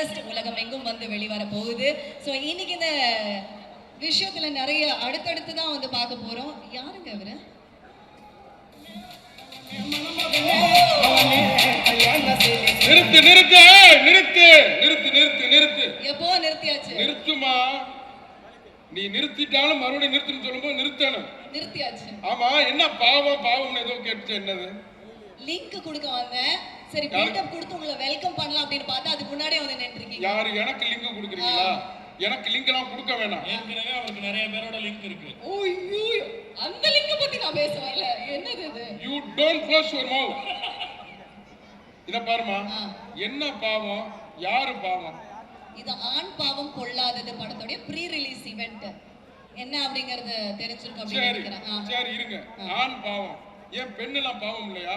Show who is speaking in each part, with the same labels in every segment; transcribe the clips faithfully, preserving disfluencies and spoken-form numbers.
Speaker 1: August உலகம் எங்கும் வந்து வெளிவர போகுது. ஸோ இன்னைக்கு இந்த விஷயத்துல நிறைய அடுத்தடுத்து தான் வந்து பார்க்க போறோம். யாருங்க அவரு?
Speaker 2: நிறுத்து நிறுத்து நிறுத்து நிறுத்து நிறுத்து நிறுத்து
Speaker 1: எப்போ நிறுத்தியாச்சு?
Speaker 2: நிறுத்துமா, நீ நிறுத்திட்டாலும் மறுபடியும் நிறுத்துன்னு சொல்லும்போது நிறுத்தணும்.
Speaker 1: நிறுத்தியாச்சு.
Speaker 2: ஆமா, என்ன பாவம் பாவம் ஏதோ கேட்டுச்சு, என்னது?
Speaker 1: லிங்க் கொடுக்க வந்தேன். சரி, பில்டப் கொடுத்து உங்களை வெல்கம் பண்ணலாம் அப்படின்னு பார்த்தா அதுக்கு முன்னாடியே வந்து நின்றுருக்கீங்க.
Speaker 2: யாரு எனக்கு லிங்க் கொடுக்குறீங்களா? எனக்கு லிங்க் எல்லாம் கொடுக்க வேணாம்.
Speaker 3: ஏற்கனவே அவருக்கு நிறைய பேரோட லிங்க் இருக்கு.
Speaker 1: ஓய்யோ, அந்த லிங்க் பத்தி நான் பேசுவேன். இல்ல, என்னது இது?
Speaker 2: You don't close your mouth. இத பாருமா, என்ன பாவம், யாரு பாவம்?
Speaker 1: இது ஆண் பாவம் பொல்லாதது படத்தோட ப்ரீ ரிலீஸ் ஈவென்ட். என்ன அப்படிங்கறது தெரிஞ்சிருக்கும் அப்படி நினைக்கிறேன்.
Speaker 2: சரி இருங்க. ஆண் பாவம், ஏன் பெண் எல்லாம் பாவம் இல்லையா?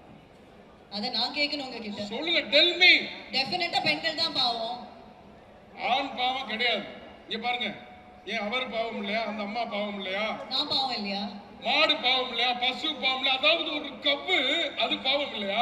Speaker 1: அத நான் கேட்கணும் உங்ககிட்ட.
Speaker 2: சொல்லுங்க, டெல் மீ.
Speaker 1: டெஃபினட்டா பெண்கள் தான் பாவம்.
Speaker 2: ஆண் பாவம் கிடையாது. இங்க பாருங்க, ஏன் அவர் பாவம் இல்லையா? அந்த அம்மா பாவம் இல்லையா?
Speaker 1: நான் பாவம் இல்லையா?
Speaker 2: மாடு பாவம் இல்லையா? பசு பாவம் இல்லையா? அதாவது ஒரு கப்பு அது பாவம் இல்லையா?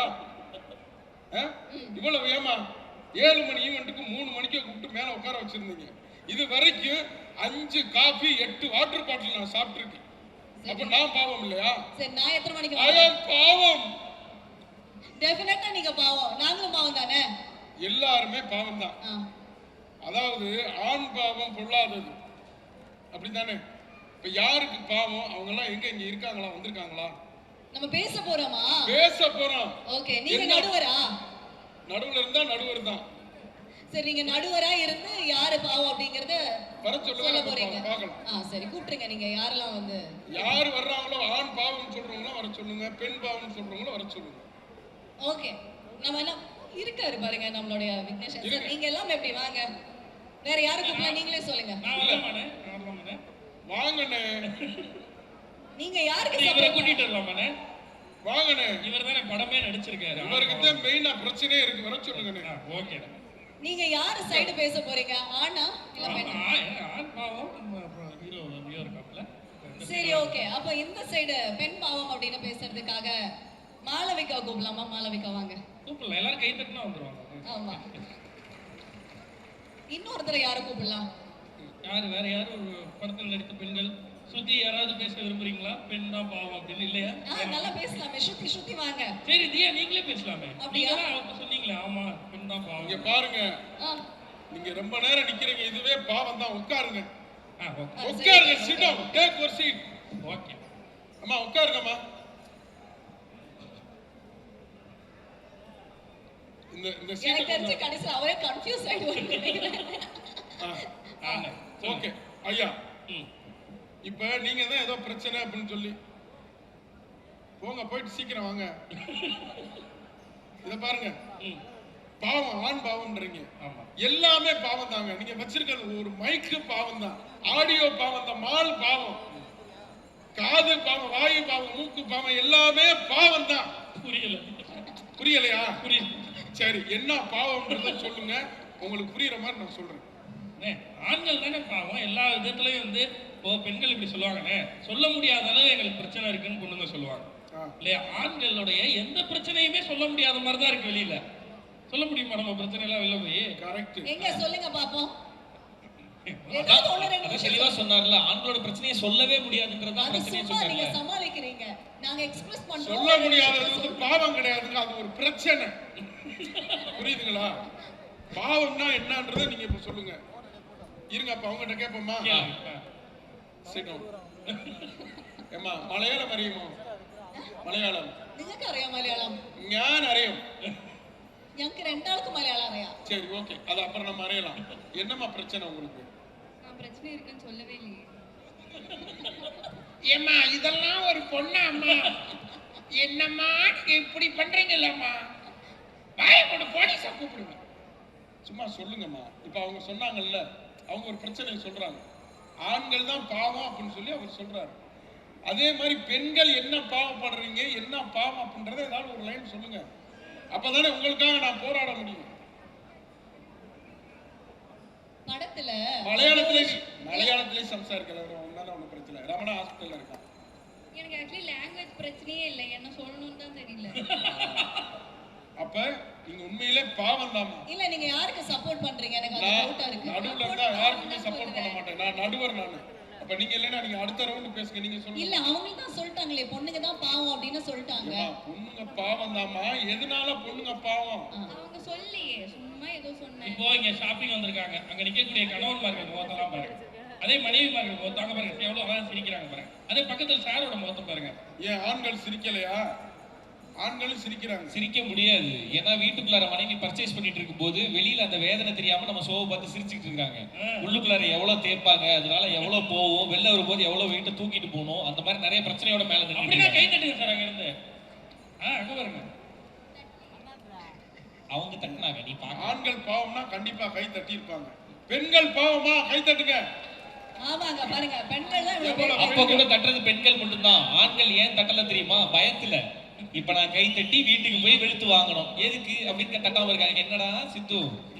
Speaker 2: இவ்வளவு ஏமா ஏழு மணி ஈவெண்ட்டுக்கு மூணு மணிக்கு கூப்பிட்டு மேல உட்கார வச்சிருந்தீங்க. இது வரைக்கும் அஞ்சு காஃபி எட்டு வாட்டர் பாட்டில் நான் சாப்பிட்டிருக்கேன். அப்ப நான் பாவம் இல்லையா?
Speaker 1: சரி, நான் எத்தனை மணிக்கு
Speaker 2: வரேன்? பாவம்.
Speaker 1: டெஃபினட்டா நீங்க பாவம், நாங்களும் பாவம் தானே?
Speaker 2: எல்லாருமே பாவம் தான். அதாவது ஆண் பாவம் பொல்லாதது, அப்படித்தானே? இப்ப யாருக்கு பாவம்? அவங்க எல்லாம் எங்க இங்க இருக்காங்களா, வந்திருக்காங்களா?
Speaker 1: நம்ம பேச போறோமா?
Speaker 2: பேச போறோம்.
Speaker 1: ஓகே, நீங்க நடுவரா?
Speaker 2: நடுவுல இருந்தா நடுவர் தான்.
Speaker 1: சரி, நீங்க நடுவரா இருந்து யாரு பாவம் அப்படிங்கறத
Speaker 2: வர சொல்ல போறீங்க. பார்க்கலாம்.
Speaker 1: ஆ சரி, கூப்பிடுங்க. நீங்க யாரெல்லாம் வந்து
Speaker 2: யார் வர்றாங்களோ, ஆண் பாவம் சொல்றவங்கள வர சொல்லுங்க, பெண் பாவம் சொல்றவங்கள வர சொல்லுங்க.
Speaker 1: ஓகே, நம்ம எல்லாம் இருக்காரு பாருங்க நம்மளுடைய விக்னேஷன் சார். நீங்க எல்லாம் எப்படி வாங்க? வேற யாரு கூப்பிடல, நீங்களே சொல்லுங்க.
Speaker 3: நான் வரலாமானே? நான் வரலாமானே?
Speaker 2: வாங்கண்ணே.
Speaker 1: நீங்க யாருக்கு
Speaker 3: இவரை
Speaker 1: சப்போர்ட்
Speaker 3: கூட்டிட்டு வரலாமானே?
Speaker 2: வாங்கண்ணே.
Speaker 3: இவர் தானே படமே நடிச்சிருக்காரு.
Speaker 2: இவருக்கு தான் மெயினா பிரச்சனையே இருக்கு. வர சொல்லுங்கண்ணே.
Speaker 3: ஓகே.
Speaker 1: நீங்க யாரு சைடு பேச போறீங்க? ஆனா இல்ல பெண்ணா?
Speaker 3: ஆண் பாவம் ஹீரோ ஹீரோ இருக்காப்ல.
Speaker 1: சரி, ஓகே. அப்ப இந்த சைடு பெண் பாவம் அப்படின்னு பேசுறதுக்காக மாளவிகா கூப்பிடலாமா? மாளவிகா வாங்க.
Speaker 3: கூப்பிடலாம், எல்லாரும் கை தட்டினா வந்துருவாங்க.
Speaker 1: ஆமா. இன்னொருத்தரை யாரை கூப்பிடலாம்?
Speaker 3: யாரு? வேற யாரு படத்தில் நடித்த பெண்கள்? சுத்தி யாராவது பேச விரும்புறீங்களா? பெண் தான் பாவம் அப்படின்னு இல்லையா?
Speaker 1: நல்லா பேசலாமே. ஸ்ருதி ஸ்ருதி வாங்க.
Speaker 3: சரி தியா, நீங்களே பேசலாமே.
Speaker 1: அப்படியா?
Speaker 3: அவங்க சொன்னீங்களே, ஆமா பெண் தான் பாவம்.
Speaker 2: இங்க பாருங்க, நீங்க ரொம்ப நேரம் நிக்கிறீங்க, இதுவே பாவம் தான். உட்காருங்க. உட்காருங்க. Sit down, take your seat.
Speaker 3: Okay
Speaker 2: அம்மா உட்காருங்கம்மா. இந்த இந்த சீட்
Speaker 1: தெரிஞ்சு கடைசில அவரே கன்ஃபியூஸ் ஆயிடுவாரு.
Speaker 2: ஓகே ஐயா, இப்ப நீங்க தான் ஏதோ பிரச்சனை அப்படின்னு சொல்லி போங்க, போயிட்டு சீக்கிரம் வாங்க. இத பாருங்க, பாவம் ஆண் பாவம்ன்றீங்க. எல்லாமே பாவம் தாங்க. நீங்க வச்சிருக்கிறது ஒரு மைக்கு பாவம் தான், ஆடியோ பாவம் தான், மால் பாவம், காது பாவம், வாயு பாவம், மூக்கு பாவம், எல்லாமே பாவம் தான்.
Speaker 3: புரியல?
Speaker 2: புரியலையா?
Speaker 3: புரியல.
Speaker 2: சரி, என்ன பாவம்ன்றத சொல்லுங்க, உங்களுக்கு புரியுற மாதிரி நான் சொல்றேன்.
Speaker 3: ஆண்கள் தானே பாவம் எல்லா விதத்துலயும் வந்து. இப்போ பெண்கள் இப்படி சொல்லுவாங்கண்ணே, சொல்ல முடியாத அளவு எங்களுக்கு பிரச்சனை இருக்குன்னு பொண்ணுங்க சொல்லுவாங்க இல்லையா? ஆண்களுடைய எந்த பிரச்சனையுமே சொல்ல முடியாத மாதிரி தான் இருக்கு வெளியில. சொல்ல முடியுமா நம்ம பிரச்சனை எல்லாம் வெளில போய்?
Speaker 2: கரெக்ட்.
Speaker 1: எங்க சொல்லுங்க பாப்போம்.
Speaker 3: தெளிவா சொன்னார்ல, ஆண்களோட பிரச்சனையை சொல்லவே முடியாதுன்றதா பிரச்சனையை சொன்னாங்க.
Speaker 1: நீங்க சமாளிக்கிறீங்க, நாங்க எக்ஸ்பிரஸ் பண்றோம்.
Speaker 2: சொல்ல முடியாதது வந்து பாவம் கிடையாதுங்க, அது ஒரு பிரச்சனை. புரியுதுங்களா? பாவம்னா என்னன்றதை நீங்க இப்ப சொல்லுங்க. இருங்க, அப்ப அவங்க கிட்ட கேட்போமா? ஏமா மலையாளம் அறியுமோ? മലയാളം
Speaker 1: നിങ്ങൾക്ക് അറിയാം മലയാളം?
Speaker 2: ഞാൻ അറിയും.
Speaker 1: ഞങ്ങൾക്ക് രണ്ടാൾക്കും മലയാളം അറിയാം.
Speaker 2: சரி ஓகே, அது அப்புறம் நம்ம அறியலாம். என்னமா பிரச்சனை உங்களுக்கு?
Speaker 1: நான் பிரச்சனை இருக்குன்னு சொல்லவே இல்லையே.
Speaker 2: ஏமா இதெல்லாம் ஒரு பொண்ணா அம்மா? என்னம்மா இப்படி பண்றீங்கல்லம்மா? வாயை கொண்டு போலீஸை கூப்பிடுங்க. சும்மா சொல்லுங்கம்மா. இப்ப அவங்க சொன்னாங்கல்ல, அவங்க ஒரு பிரச்சனை சொல்றாங்க, ஆண்கள் தான் பாவம் அப்படின்னு சொல்லி அவர் சொல்றாரு. அதே மாதிரி பெண்கள் என்ன பாவப்படுறீங்க, என்ன பாவம் அப்படின்றத ஏதாவது ஒரு லைன் சொல்லுங்க. அப்பதானே உங்களுக்காக நான் போராட முடியும்.
Speaker 1: படத்துல
Speaker 2: மலையாளத்திலே மலையாளத்திலே சம்சாரிக்கல, ஒன்னால ஒன்றும் பிரச்சனை. ரமணா ஹாஸ்பிட்டல்ல இருக்கான்.
Speaker 1: எனக்கு ஆக்சுவலி லாங்குவேஜ் பிரச்சனையே இல்லை, என்ன சொல்லணும்னு தான் தெரியல.
Speaker 2: அப்ப நீங்க உண்மையிலே பாவம் தாமா.
Speaker 1: இல்ல நீங்க யாருக்கு சப்போர்ட் பண்றீங்க? எனக்கு அது
Speaker 2: நான்
Speaker 1: டவுட்டா இருக்கு.
Speaker 2: நடுவுல இருந்தா யாருக்குமே சப்போர்ட் பண்ண மாட்டேன். நான் நடுவர் நானு. அப்ப நீங்க இல்லைன்னா நீங்க அடுத்த ரவுண்ட் பேசுங்க. நீங்க சொல்லுங்க.
Speaker 1: இல்ல அவங்க தான் சொல்லிட்டாங்களே பொண்ணுங்க தான் பாவம் அப்படின்னு சொல்லிட்டாங்க.
Speaker 2: ஏம்மா, பொண்ணுங்க பாவம் தாமா. எதனால பொண்ணுங்க பாவம்?
Speaker 4: அவங்க சொல்லியே சும்மா ஏதோ சொன்னேன்.
Speaker 3: இப்போ இங்க ஷாப்பிங் வந்திருக்காங்க. அங்க நிக்கக்கூடிய கணவன்மார்கள் முகத்தெல்லாம் பாருங்க. அதே மனைவிமார்கள் முகத்தை அங்க பாருங்க எவ்வளவு அழகா சிரிக்கிறாங்க பாருங்க. அதே பக்கத்துல சாரோட முகத்தை பாருங்க.
Speaker 2: ஏன் ஆண்கள் சிரிக்கலையா? ஆண்களும் சிரிக்கிறாங்க.
Speaker 5: சிரிக்க முடியாது. ஏன்னா வீட்டுக்குள்ளார மனைவி பர்ச்சேஸ் பண்ணிட்டு இருக்கும் போது வெளியில அந்த வேதனை தெரியாம நம்ம ஷோவை பார்த்து சிரிச்சுட்டு இருக்காங்க. உள்ளுக்குள்ளார எவ்வளவு தேய்ப்பாங்க, அதனால எவ்வளவு போவோம், வெளில வரும்போது எவ்வளவு வெயிட்ட தூக்கிட்டு போகணும், அந்த மாதிரி நிறைய பிரச்சனையோட மேல
Speaker 3: அப்படின்னா கை
Speaker 5: நின்று
Speaker 3: தட்டுங்க சார் அங்க இருந்து. ஆ அங்க பாருங்க.
Speaker 5: அவங்க தட்டினாங்க, நீ பாக்க.
Speaker 2: ஆண்கள் பாவம்னா கண்டிப்பா கை தட்டி இருப்பாங்க. பெண்கள் பாவமா? கை தட்டுங்க.
Speaker 1: ஆமாங்க பாருங்க பெண்கள் தான் இவ்வளவு பேர்.
Speaker 5: அப்ப கூட தட்டுறது பெண்கள் மட்டும்தான். ஆண்கள் ஏன் தட்டல தெரியுமா? பயத்துல. இப்ப நான் கை தட்டி வீட்டுக்கு போய் வெளுத்து வாங்கணும், எதுக்கு அப்படின்னு தட்டாம இருக்காங்க. என்னடா சித்து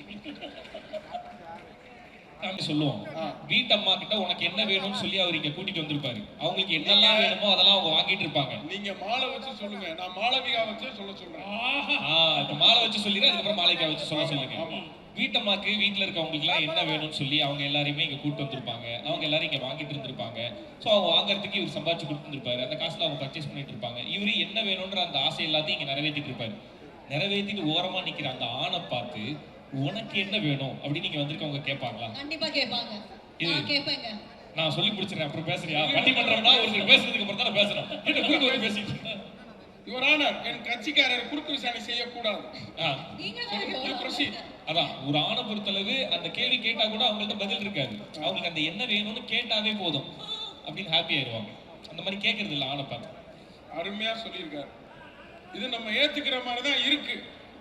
Speaker 5: சொல்லுவோம், வீட்டம்மா கிட்ட உனக்கு என்ன வேணும்னு சொல்லி அவர் இங்க கூட்டிட்டு வந்திருப்பாரு. அவங்களுக்கு என்னெல்லாம் வேணுமோ அதெல்லாம் அவங்க வாங்கிட்டு இருப்பாங்க.
Speaker 2: நீங்க மாலை வச்சு சொல்லுங்க. நான் மாளவிகா வச்சு சொல்ல சொல்றேன்.
Speaker 3: ஆஹா
Speaker 5: இப்ப மாலை வச்சு சொல்லிடுறேன், அதுக்கப்புறம் மாலைக்கா வச்சு சொல்ல சொல்லுங்க. வீட்டம்மாக்கு வீட்டுல இருக்கவங்களுக்கு எல்லாம் என்ன வேணும்னு சொல்லி அவங்க எல்லாரையுமே இங்க கூட்டு வந்திருப்பாங்க. அவங்க எல்லாரும் இங்க வாங்கிட்டு இருந்திருப்பாங்க. சோ அவங்க வாங்குறதுக்கு இவர் சம்பாதிச்சு கொடுத்துருப்பாரு. அந்த காசுல அவங்க பர்ச்சேஸ் பண்ணிட்டு இருப்பாங்க. இவரு என்ன வேணும்ன்ற அந்த ஆசை எல்லாத்தையும் இங்க நிறைவேற்றிட்டு இருப்பாரு. நிறைவேற்றிட்டு ஓரமா நிக்கிற அந்த ஆணை பார்த்து உனக்கு என்ன வேணும் அப்படின்னு நீங்க வந்திருக்கவங்க கேட்பாங்களா?
Speaker 1: கண்டிப்பா கேட்பாங்க.
Speaker 5: இது-
Speaker 1: நான் கேட்பேங்க.
Speaker 5: நான் சொல்லி முடிச்சிடறேன், அப்புறம் பேசுறியா? பட்டிமன்றம்னா ஒருத்தர் பேசுறதுக்கு அப்புறம் தான் பேசுறேன். என்ன குறுக்க வந்து பேசிட்டு இருந்தேன்.
Speaker 2: யுவர் ஆனர், என் கட்சிக்காரர் குறுக்கு விசாரணை செய்யக்கூடாது.
Speaker 5: ஆ,
Speaker 1: நீங்க தான்
Speaker 2: You proceed.
Speaker 5: அதான் ஒரு ஆணை பொறுத்தளவு அந்த கேள்வி கேட்டா கூட அவங்கள்ட்ட பதில் இருக்காது. அவங்களுக்கு அந்த என்ன வேணும்னு கேட்டாவே போதும் அப்படின்னு ஹாப்பி ஆயிடுவாங்க. அந்த மாதிரி கேட்கறது இல்லை ஆணை பார்த்து.
Speaker 2: அருமையா சொல்லியிருக்காரு. இது நம்ம ஏத்துக்கிற மாதிரி தான் இருக்கு.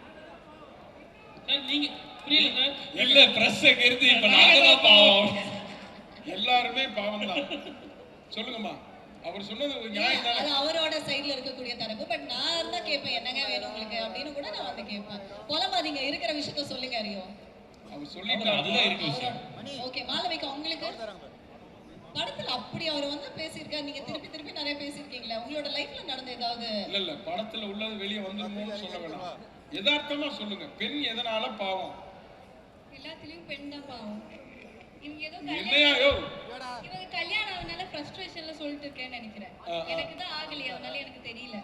Speaker 3: சார் நீங்க புரியல சார்.
Speaker 5: இல்ல பிரஸ் அங்க இருந்து இப்ப நாங்க தான் பாவம்.
Speaker 2: எல்லாருமே பாவம் தான். சொல்லுங்கம்மா. அவர் சொன்னது ஒரு நியாயம்
Speaker 1: அது
Speaker 2: தானே?
Speaker 1: அவரோட சைடுல இருக்கக்கூடிய தரப்பு. பட் நான் இருந்தா கேட்பேன் என்னங்க வேணும் உங்களுக்கு அப்படின்னு கூட நான் வந்து கேட்பேன். புலம்பாதீங்க, இருக்கிற விஷயத்த சொல்லுங்க அறியோ.
Speaker 2: அவர் சொல்லிட்டாரு.
Speaker 5: அதுதான் இருக்கு விஷயம்.
Speaker 1: ஓகே மாளவிகா உங்களுக்கு படத்துல அப்படி அவர் வந்து பேசியிருக்காரு. நீங்க திருப்பி திருப்பி நிறைய பேசியிருக்கீங்களா? உங்களோட லைஃப்ல நடந்த ஏதாவது?
Speaker 2: இல்ல இல்ல படத்துல உள்ளது வெளியே வந்துருமோன்னு சொல்ல வேணாம். யதார்த்தமா சொல்லுங்க. பெண் எதனால பாவம்?
Speaker 4: எல்லாத்துலயும் பெண் தான் பாவம். இவங்க ஏதோ
Speaker 2: என்னையா யோ?
Speaker 4: இவங்க கல்யாணம் ஆனனால ஃப்ரஸ்ட்ரேஷன்ல சொல்லிட்டு இருக்கேன்னு நினைக்கிறேன்.
Speaker 2: ஆ, ஆ.
Speaker 4: எனக்கு தான் ஆகலையே, அதனால எனக்கு தெரியல.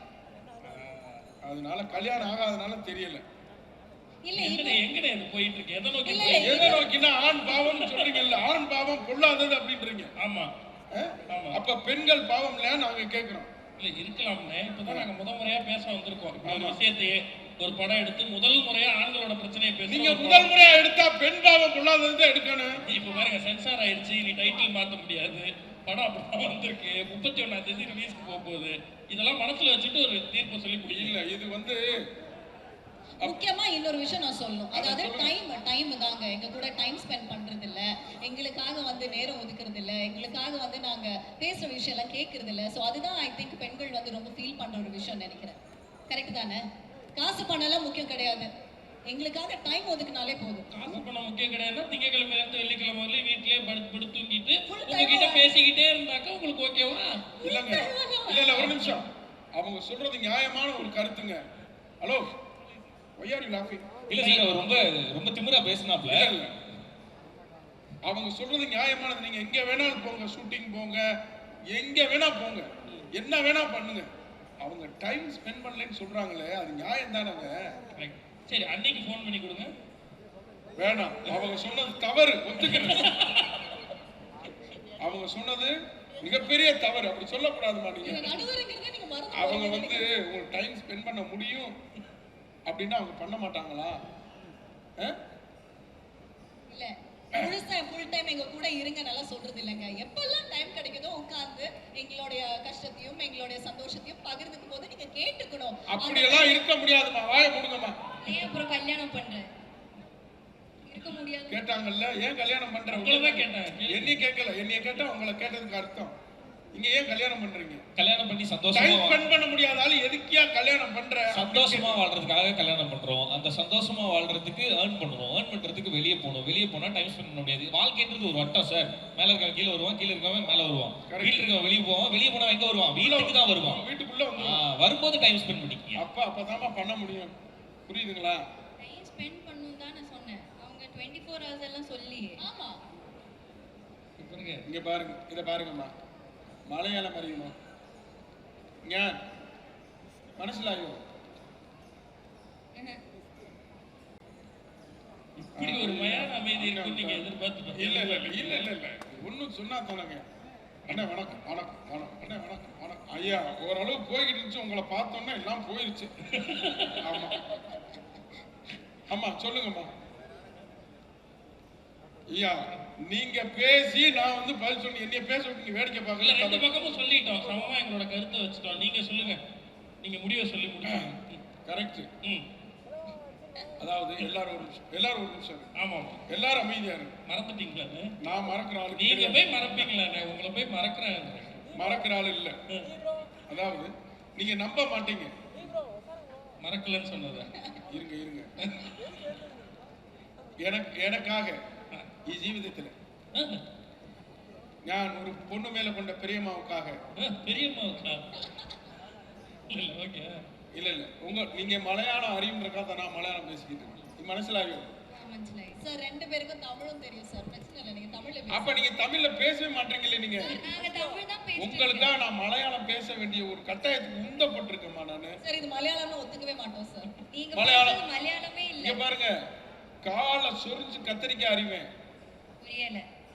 Speaker 2: அதனால கல்யாணம் ஆகாதனால தெரியல.
Speaker 1: இல்ல
Speaker 3: எங்கடே எங்கடே இது போயிட்டு இருக்கு? எதை நோக்கி
Speaker 1: இல்ல,
Speaker 3: போயிட்டு
Speaker 2: எதை நோக்கினா ஆண் பாவம்னு சொல்றீங்கல்ல, ஆண் பாவம் பொல்லாதது அப்படின்றீங்க.
Speaker 3: இருக்கு? ஆமா
Speaker 2: ஆ?
Speaker 3: ஆமா.
Speaker 2: அப்ப பெண்கள் பாவம் இல்லையா நாங்க கேட்கிறோம்.
Speaker 3: இல்ல இருக்கலாம்னே. இப்பதான் நாங்க முத முறையா பேச வந்திருக்கோம். இப்ப ஒரு விஷயத்தையே ஒரு படம் எடுத்து முதல் முறையா ஆண்களோட பிரச்சனையை
Speaker 2: நீங்க
Speaker 3: பேசுறோம்.
Speaker 2: முதல் முறையா எடுத்தா பெண் பாவம் பொல்லாதது தான் எடுக்கணும்.
Speaker 3: இப்ப பாருங்க சென்சார் ஆயிடுச்சு, நீ டைட்டில் மாத்த முடியாது. படம் அப்படிதான் வந்திருக்கு. முப்பத்தி ஒண்ணாம் தேதி ரிலீஸ்க்கு போக போகுது. இதெல்லாம் மனசுல வச்சுட்டு ஒரு தீர்ப்பு சொல்லி முடியல.
Speaker 2: இல்ல இது வந்து
Speaker 1: முக்கியமா இன்னொரு விஷயம் நான் சொல்லணும். அதாவது டைம் டைம் தாங்க. எங்க கூட டைம் ஸ்பெண்ட் பண்றது இல்ல, எங்களுக்காக வந்து நேரம் ஒதுக்குறது இல்ல, எங்களுக்காக வந்து நாங்க பேசுற விஷயம் எல்லாம் கேட்கறது இல்ல. சோ அதுதான் ஐ திங்க் பெண்கள் வந்து ரொம்ப ஃபீல் பண்ற ஒரு விஷயம் நினைக்கிறேன். கரெக்ட் தானே? காசு பணம் எல்லாம் முக்கியம் கிடையாது, எங்களுக்காக டைம் ஒதுக்குனாலே போதும்.
Speaker 3: காசு பணம் முக்கியம் கிடையாது. திங்கக்கிழமையில இருந்து வெள்ளிக்கிழமை வரலையும் வீட்லயே படுத்து படுத்து தூங்கிட்டு
Speaker 1: Full time
Speaker 3: உங்ககிட்ட
Speaker 1: ஆ?
Speaker 3: பேசிக்கிட்டே இருந்தாக்கா உங்களுக்கு ஓகேவா?
Speaker 2: இல்லங்க. இல்ல இல்ல ஒரு நிமிஷம். அவங்க சொல்றது நியாயமான ஒரு கருத்துங்க. Hello, why are you laughing?
Speaker 5: இல்ல சார், அவர் ரொம்ப ரொம்ப திமிரா பேசினாப்ல.
Speaker 2: இல்ல, இல்ல. அவங்க சொல்றது நியாயமானது. நீங்க எங்க வேணாலும் போங்க, ஷூட்டிங் போங்க, எங்க வேணா போங்க, என்ன வேணா பண்ணுங்க. அவங்க டைம் ஸ்பெண்ட் பண்ணலன்னு சொல்றாங்களே, அது நியாயம் தானங்க.
Speaker 3: Correct. சரி அன்னைக்கு ஃபோன் பண்ணி கொடுங்க.
Speaker 2: வேணாம், அவங்க சொன்னது தவறு, ஒத்துக்கிறேன். அவங்க சொன்னது மிகப்பெரிய தவறு, அப்படி சொல்லக்கூடாதுமா. நீங்க
Speaker 1: நீங்க நடுவருங்கிறத நீங்க மறந்து
Speaker 2: அவங்க
Speaker 1: போறீங்க
Speaker 2: வந்து
Speaker 1: நினைக்கிறேன்.
Speaker 2: உங்களுக்கு டைம் ஸ்பெண்ட் பண்ண முடியும் அப்படின்னா அவங்க பண்ண மாட்டாங்களா? ஆ?
Speaker 1: இல்ல முழுசா ஃபுல் டைம் எங்க கூட இருங்க நல்லா சொல்றது இல்லைங்க. எப்பெல்லாம் டைம் கிடைக்குதோ உட்கார்ந்து எங்களுடைய கஷ்டத்தையும் எங்களுடைய சந்தோஷத்தையும் பகிர்ந்துக்கும் போது நீங்க கேட்டுக்கணும்.
Speaker 2: அப்படியெல்லாம் இருக்க முடியாதுமா. வாய மூடுங்கம்மா.
Speaker 4: ஏன் அப்புறம் கல்யாணம் பண்றேன்? இருக்க முடியாது.
Speaker 2: கேட்டாங்கல்ல, ஏன் கல்யாணம் பண்ற?
Speaker 3: உங்களை தான் கேட்டேன்.
Speaker 2: என்னைய கேட்கல. என்னைய கேட்டா உங்களை கேட்டதுக்கு அர்த்தம். நீங்க ஏன் கல்யாணம் பண்றீங்க?
Speaker 5: கல்யாணம் பண்ணி சந்தோஷமா
Speaker 2: டைம்
Speaker 5: வா-
Speaker 2: ஸ்பெண்ட் பண்ண முடியாதால எதுக்கியா கல்யாணம் பண்ற?
Speaker 5: சந்தோஷமா வாழ்றதுக்காக கல்யாணம் பண்றோம். அந்த சந்தோஷமா வாழ்றதுக்கு ஏர்ன் பண்ணுவோம். ஏர்ன் பண்றதுக்கு வெளியே போகணும். வெளியே போனா டைம் ஸ்பெண்ட் பண்ண முடியாது. வாழ்க்கைன்றது ஒரு வட்டம் சார். மேல இருக்கவன் கீழே வருவான், கீழே இருக்கவன் மேல வருவான்.
Speaker 2: Correct.
Speaker 5: வீட்டுல இருக்கவன் வெளியே போவான், வெளியே போனா எங்க வருவான்? வீட்டுக்கு தான் வருவான்.
Speaker 2: வீட்டுக்குள்ள
Speaker 5: ஆ,
Speaker 2: வந்து
Speaker 5: வரும்போது டைம் ஸ்பெண்ட் பண்ணிக்கங்க.
Speaker 2: அப்ப அப்பதாம்மா பண்ண முடியும். புரியுதுங்களா?
Speaker 4: ஸ்பெண்ட் பண்ணணும் தான் நான் சொன்னேன். அவங்க டுவெண்ட்டி ஃபோர் ஹவர்ஸ் எல்லாம் சொல்லி
Speaker 1: ஆமா
Speaker 3: பாருங்க
Speaker 2: இங்க பாருங்க, இத பாருங்கம்மா. மலையாளம் அறியுமா? ஞான் மனசிலாயோ?
Speaker 3: இப்படி ஒரு மயான அமைதி இருக்கும் நீங்க எதிர்பார்த்து
Speaker 2: இல்ல இல்ல இல்ல இல்ல இல்ல இல்ல ஒன்னும் சொன்னா தானங்க. அண்ணா வணக்கம் வணக்கம் வணக்கம் அண்ணா வணக்கம் வணக்கம் ஐயா. ஓரளவு போய்கிட்டு இருந்துச்சு, உங்களை பார்த்தோன்னா எல்லாம் போயிருச்சு. ஆமா ஆமா சொல்லுங்கம்மா. ஐயா நீங்க பேசி நான் வந்து பதில் சொல்லி என்னைய பேச விட்டு நீங்க வேடிக்கை
Speaker 3: இல்ல ரெண்டு
Speaker 2: பார்க்கல.
Speaker 3: பக்கமும் சொல்லிட்டோம், சமமா எங்களோட கருத்தை வச்சுட்டோம். நீங்க சொல்லுங்க, நீங்க முடிவை சொல்லி முடிச்சுங்க.
Speaker 2: கரெக்ட்.
Speaker 3: ம்
Speaker 2: அதாவது எல்லாரும் ஒரு நிமிஷம், எல்லாரும் ஒரு நிமிஷம் இருங்க.
Speaker 3: ஆமா ஆமா
Speaker 2: எல்லாரும் அமைதியா இருங்க.
Speaker 3: மறந்துட்டீங்களாண்ணே?
Speaker 2: நான் மறக்கிற ஆளு
Speaker 3: நீங்க
Speaker 2: கிடையாது.
Speaker 3: போய் மறப்பீங்களாண்ணே? உங்களை போய் மறக்கிறேன்.
Speaker 2: மறக்கிற ஆளு இல்ல. அதாவது நீங்க நம்ப மாட்டீங்க.
Speaker 3: மறக்கலன்னு சொன்னதா?
Speaker 2: இருங்க இருங்க. எனக்கு எனக்காக ഈ ജീവിതത്തിൽ ഞാൻ ഒരു പൊണ്ണു മേലെ കൊണ്ട பெரியம்மாவுக்காக
Speaker 3: பெரியம்மாவுக்கா? இல்ல ஓகே
Speaker 2: இல்ல இல்ல உங்க நீங்க மலையாளம் அறியுன்றக்காக நான் மலையாளம் பேசிக்கிட்டு இருக்கேன். மனசிலாயோ?
Speaker 4: மனசிலாயி.
Speaker 1: சார் ரெண்டு பேருக்கும் தமிழும் தெரியும் சார், பிரச்சனை இல்லை, நீங்க தமிழ்ல
Speaker 2: அப்ப
Speaker 1: பேசுங்க.
Speaker 2: நீங்க தமிழ்ல பேசவே மாட்டீங்களே நீங்க.
Speaker 4: நாங்க தமிழ் தான் பேசிட்டு
Speaker 2: உங்களுக்காக நான் மலையாளம் பேச வேண்டிய ஒரு கட்டாயத்துக்கு உந்தப்பட்டிருக்கேம்மா நானு.
Speaker 1: சார் இது மலையாளம்னு ஒத்துக்கவே மாட்டோம் சார்.
Speaker 4: நீங்க
Speaker 2: மலையாளம்.
Speaker 4: பேசுறது மலையாளமே இல்ல.
Speaker 2: இங்க பாருங்க, காலை சொரிஞ்சு கத்தரிக்காய் அறிவேன்.
Speaker 4: புரியல.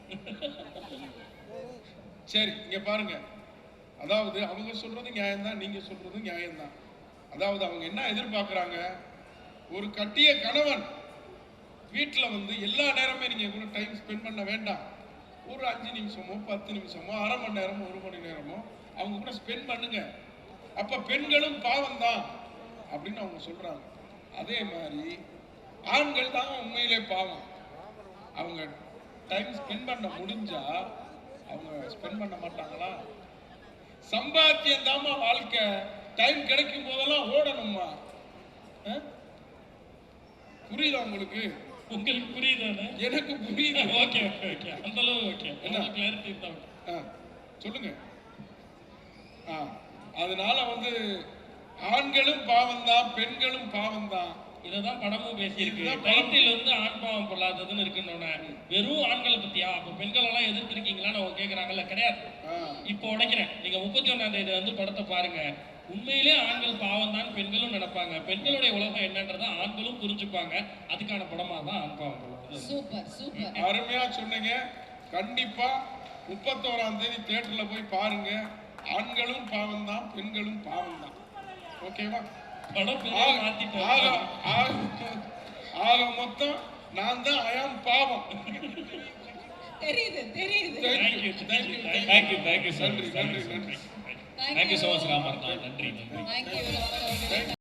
Speaker 2: சரி இங்க பாருங்க, அதாவது அவங்க சொல்றது நியாயம்தான், நீங்க சொல்றது நியாயம்தான். அதாவது அவங்க என்ன எதிர்பார்க்கறாங்க, ஒரு கட்டிய கணவன் வீட்டுல வந்து எல்லா நேரமே நீங்க கூட டைம் ஸ்பெண்ட் பண்ண வேண்டாம். ஒரு அஞ்சு நிமிஷமோ பத்து நிமிஷமோ அரை மணி நேரமோ ஒரு மணி நேரமோ அவங்க கூட ஸ்பெண்ட் பண்ணுங்க. அப்ப பெண்களும் பாவம் தான் அப்படின்னு அவங்க சொல்றாங்க. அதே மாதிரி ஆண்கள் தான் உண்மையிலே பாவம். அவங்க டைம் ஸ்பெண்ட் பண்ண முடிஞ்சா அவங்க ஸ்பெண்ட் பண்ண மாட்டாங்களா? சம்பாத்தியம் தாமா வாழ்க்கை. டைம் கிடைக்கும் போதெல்லாம் ஓடணுமா? அஹ்? புரியுதா உங்களுக்கு?
Speaker 3: உங்களுக்கு புரியுதானே?
Speaker 2: எனக்கு புரியுது.
Speaker 3: ஓகே ஓகே ஓகே அந்த அளவு ஓகே. என்ன கிளாரிட்டி தான்?
Speaker 2: ஆ, சொல்லுங்க. ஆ, அதனால வந்து ஆண்களும் பாவம் தான், பெண்களும் பாவம் தான்.
Speaker 3: இததான் படமும் பேசியிருக்கு.
Speaker 2: இதுதான் படம்.
Speaker 3: டைட்டில் வந்து ஆண் பாவம் பொல்லாததுன்னு இருக்குன்னு வெறும் ஆண்களை பத்தியா? அப்ப பெண்கள் எல்லாம் எதிர்த்திருக்கீங்களான்னு அவங்க கேக்குறாங்கல்ல. கிடையாது.
Speaker 2: ஆ,
Speaker 3: இப்போ உடைக்கிறேன். நீங்க முப்பத்தி ஒன்னாம் தேதி வந்து படத்தை பாருங்க. உண்மையிலே ஆண்கள் பாவம் தான் பெண்களும் நினைப்பாங்க. பெண்களுடைய உலகம் என்னன்றதை ஆண்களும் புரிஞ்சுப்பாங்க. அதுக்கான படமா தான் ஆண் பாவம் பொல்லாதது.
Speaker 1: Super super.
Speaker 2: அருமையா சொன்னீங்க. கண்டிப்பா முப்பத்தோராம் தேதி தியேட்டர்ல போய் பாருங்க. ஆண்களும் பாவம் தான், பெண்களும் பாவம் தான். ஓகேவா?
Speaker 3: படம் பேரே
Speaker 2: ஆக
Speaker 3: மாத்திட்டோம்.
Speaker 2: ஆக- ஆக- ஆக மொத்தம் நான் தான் அயாம் பாவம்.
Speaker 1: தெரியுது தெரியுது.
Speaker 2: Thank you, thank you, thank you.
Speaker 5: Thank you thank you sir.
Speaker 2: நன்றி நன்றி நன்றி.
Speaker 5: Thank you so much Ramar. நன்றி நன்றி.
Speaker 1: தேங்க்யூ.